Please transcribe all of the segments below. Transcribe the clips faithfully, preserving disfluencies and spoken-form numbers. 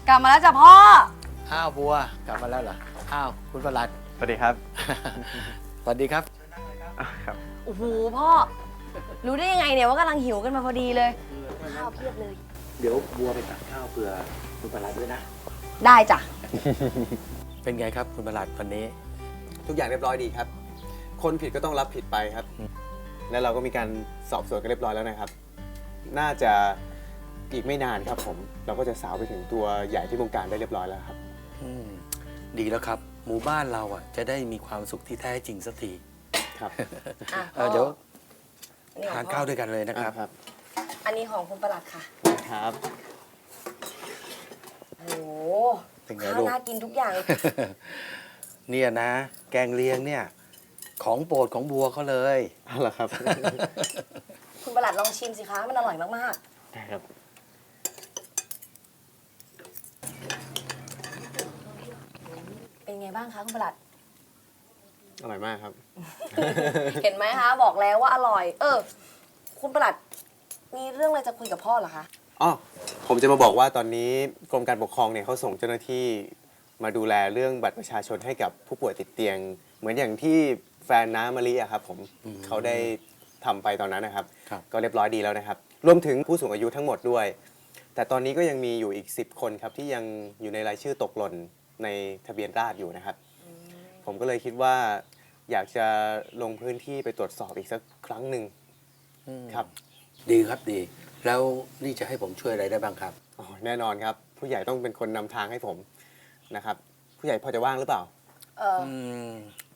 กลับมาแล้วจ้ะพ่ออ้าวบัวกลับมาแล้วเหรออ้าวคุณประหลัดสวัสดีครับสวัสดีครับครับโอ้โหพ่อ รู้ได้ยังไงเนี่ยว่ากำลังหิวกันมาพอดีเลย ข้าวเพียบเลยเดี๋ยวบัวไปตักข้าวเผื่อคุณประหลัดด้วยนะได้จ้ะเป็นไงครับคุณประหลัดวันนี้ทุกอย่างเรียบร้อยดีครับ คนผิดก็ต้องรับผิดไปครับ แล้วเราก็มีการสอบสวนกันเรียบร้อยแล้วนะครับ น่าจะอีกไม่นานครับผม เราก็จะสาวไปถึงตัวใหญ่ที่วงการได้เรียบร้อยแล้วครับอืมดีแล้วครับ หมู่บ้านเราอ่ะจะได้มีความสุขที่แท้จริงสักทีครับอ่ะเอ่อเดี๋ยวอันนี้ขทาอน งพ่อข้าวด้วยกันเลยนะครับครับอันนี้ของคุณประหลัดค่ะครับโอ้โหเป็นไงข้าวลูกน่ากินทุกอย่างเลยเนี่ยนะ แกงเลียงเนี่ย ของโปรดของบัวเขาเลยเอาละครับคุณประหลัดลองชิมสิคะ มันอร่อยมากได้ครับๆ เป็นไงบ้างคะคุณประหลัดอร่อยมากครับเห็นไหมคะ บอกแล้วว่าอร่อย เออ คุณประหลัด มีเรื่องอะไรจะคุยกับพ่อเหรอคะอ๋อ ผมจะมาบอกว่าตอนนี้กรมการปกครองเนี่ยเขาส่งเจ้าหน้าที่มาดูแลเรื่องบัตรประชาชนให้กับผู้ป่วยติดเตียง เหมือนอย่างที่แฟนน้ามะลิอะครับผมอืมเขาได้ทำไปตอนนั้นนะครับครับก็เรียบร้อยดีแล้วนะครับ รวมถึงผู้สูงอายุทั้งหมดด้วย แต่ตอนนี้ก็ยังมีอยู่อีกสิบคนครับที่ยังอยู่ในรายชื่อตกหล่นในทะเบียนราษฎร์อยู่นะครับ ผมก็เลยคิดว่าอยากจะลงพื้นที่ไปตรวจสอบอีกสักครั้งหนึ่งอืมครับดีครับดี แล้วนี่จะให้ผมช่วยอะไรได้บ้างครับอ๋อแน่นอนครับ ผู้ใหญ่ต้องเป็นคนนำทางให้ผมนะครับ ผู้ใหญ่พอจะว่างหรือเปล่าเอออืม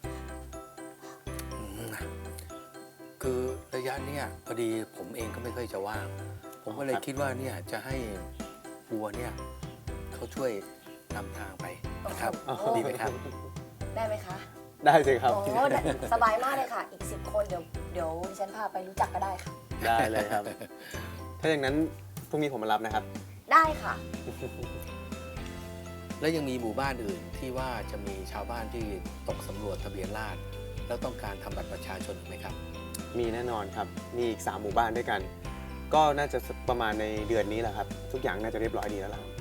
อืมคือระยะเนี้ยพอดีผมเองก็ไม่ค่อยจะว่าง ผมก็เลยครับคิดว่าเนี่ยจะให้บัวเนี่ยเขาช่วยนำทางไปนะครับโอ้โหดีไหมครับได้ไหมคะได้สิครับโอ้ได้สบายมากเลยค่ะ อีกสิบคนเดี๋ยวเดี๋ยวดิฉันพาไปรู้จักก็ได้ค่ะได้เลยครับ ถ้าอย่างนั้นพรุ่งนี้ผมมารับนะครับได้ค่ะแล้วยังมีหมู่บ้านอื่นที่ว่าจะมีชาวบ้านที่ตกสำรวจทะเบียนราษฎร์แล้วต้องการทำบัตรประชาชนอีกไหมครับมีแน่นอนครับ มีอีกสามหมู่บ้านด้วยกัน ก็น่าจะประมาณในเดือนนี้แหละครับ ทุกอย่างน่าจะเรียบร้อยดีแล้วล่ะ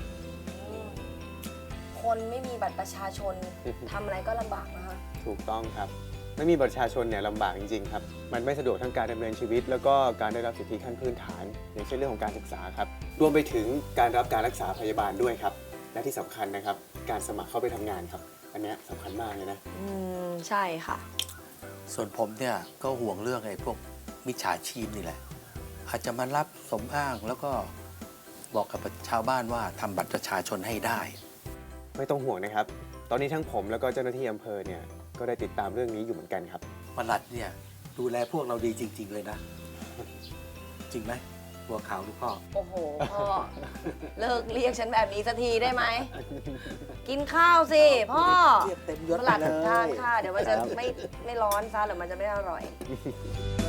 คนไม่มีบัตรประชาชนทำอะไรก็ลำบากนะคะถูกต้องครับ ไม่มีบัตรประชาชนเนี่ยลำบากจริงๆครับ มันไม่สะดวกทั้งการดำเนินชีวิต แล้วก็การได้รับสิทธิขั้นพื้นฐาน อย่างเช่นเรื่องของการศึกษาครับ รวมไปถึงการรับการรักษาพยาบาลด้วยครับ และที่สำคัญนะครับ การสมัครเข้าไปทำงานครับ อันเนี้ยสำคัญมากเลยนะอืม ใช่ค่ะส่วนผมเนี่ยก็ห่วงเรื่องไอ้พวกมิจฉาชีพนี่แหละ อาจจะมารับสมอ้างแล้วก็บอกกับชาวบ้านว่าทำบัตรประชาชนให้ได้ไม่ต้องห่วงนะครับ ตอนนี้ทั้งผมแล้วก็เจ้าหน้าที่อำเภอเนี่ยก็ได้ติดตามเรื่องนี้อยู่เหมือนกันครับประหลัดเนี่ยดูแลพวกเราดีจริง ๆ เลยนะ จริงไหมบัวขาวลูกพ่อโอ้โห พ่อ เลิกเรียกฉันแบบนี้สักทีได้ไหม กินข้าวสิ พ่อเรียกเต็มยศประหลัดไปเลยทานค่ะ เดี๋ยวมันจะครับไม่ไม่ร้อนซะหรือมันจะไม่อร่อยค